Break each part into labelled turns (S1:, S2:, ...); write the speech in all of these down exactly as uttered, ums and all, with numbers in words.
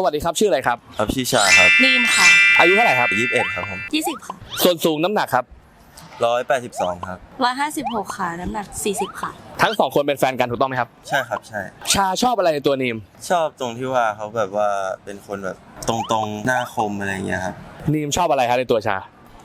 S1: วัสดีครับชื่ออะไรครับ
S2: ครับชื่อชาครับ
S3: นีมค่ะ
S1: อายุเท่าไหร่ครับ
S2: ยี่สิบเอ็ดครับผม
S3: ยี่สิบค่ะ
S1: ส่วนสูงน้ำหนักครับ
S2: ร้อยแปดสิบสองครับ
S3: ร้อยห้าสิบหกค่ะน้ำหนักสี่สิบค่ะ
S1: ทั้งสองคนเป็นแฟนกันถูกต้องไหมครับ
S2: ใช่ครับใช่
S1: ชาชอบอะไรในตัวนีม
S2: ชอบตรงที่ว่าเขาแบบว่าเป็นคนแบบตรงๆหน้าคมอะไรเงี้ยครับ
S1: นีมชอบอะไรครับในตัวชา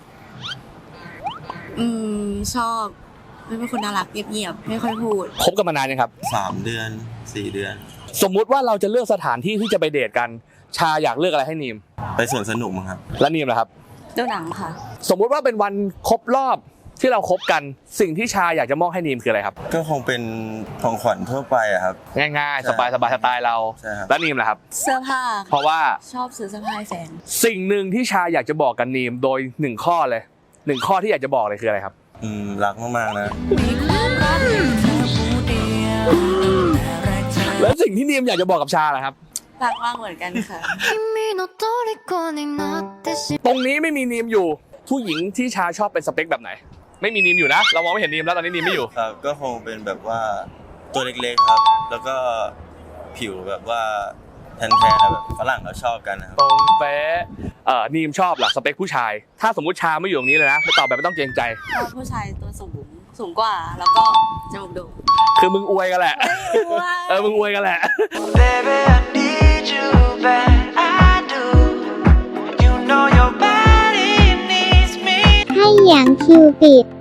S3: อืมชอบเป็นคนน่ารักเงียบๆไม่ค่อยพูด
S1: คบกันมานานยังครับ
S2: สามเดือนสี่เดือน
S1: สมมุติว่าเราจะเลือกสถานที่ที่จะไปเดทกันชาอยากเลือกอะไรให้นีม
S2: ไปสวนสนุกมั้งครับ
S1: แล้วนีมล่ะครับ
S3: ดูหนังค่ะ
S1: สมมุติว่าเป็นวันครบรอบที่เราคบกันสิ่งที่ชาอยากจะมอบให้นีมคืออะไรครับ
S2: ก็คงเป็นของขวัญทั่วไปอะครับ
S1: ง่ายๆสบายๆสไตล์เราแล้วนีมล่ะครับ
S3: เสื้อผ้า
S1: เพราะว่า
S3: ชอบซื้อเสื้อผ้าให้แฟน
S1: สิ่งหนึ่งที่ชาอยากจะบอกกับนีมโดยหนึ่งข้อเลยหนึ่งข้อที่อยากจะบอกเลยคืออะไรครับ
S2: อืมรักมากๆนะ
S1: แล้วสิ่งที่นีมอยากจะบอกกับชาล่ะครับ
S3: รักมากเหมือนกันค่ะ
S1: ตรงนี้ไม่มีนีมอยู่ผู้หญิงที่ชาชอบเป็นสเปคแบบไหนไม่มีนีมอยู่นะเรามองไม่เห็นนีมแล้วตอนนี้นีมไม่อยู่
S2: ครับก็คงเป็นแบบว่าตัวเล็กๆครับแล้วก็ผิวแบบว่าแทนๆแบบฝรั่งเขาชอบกันนะครับ
S1: ตรงเป๊ะเอ่อนีมชอบหลักสเปคผู้ชายถ้าสมมุติชาไม่อยู่ตรงนี้เลยนะไม่ตอบแบบไม่ต้องเกรงใจ
S3: ชอบผู้ชายตัวสูงสูงกว่าแล้วก็จมูกโด่ง
S1: คือมึงอวยกันแหละเออมึงอวยกันแหละ
S4: ให้อย่างคิวปิด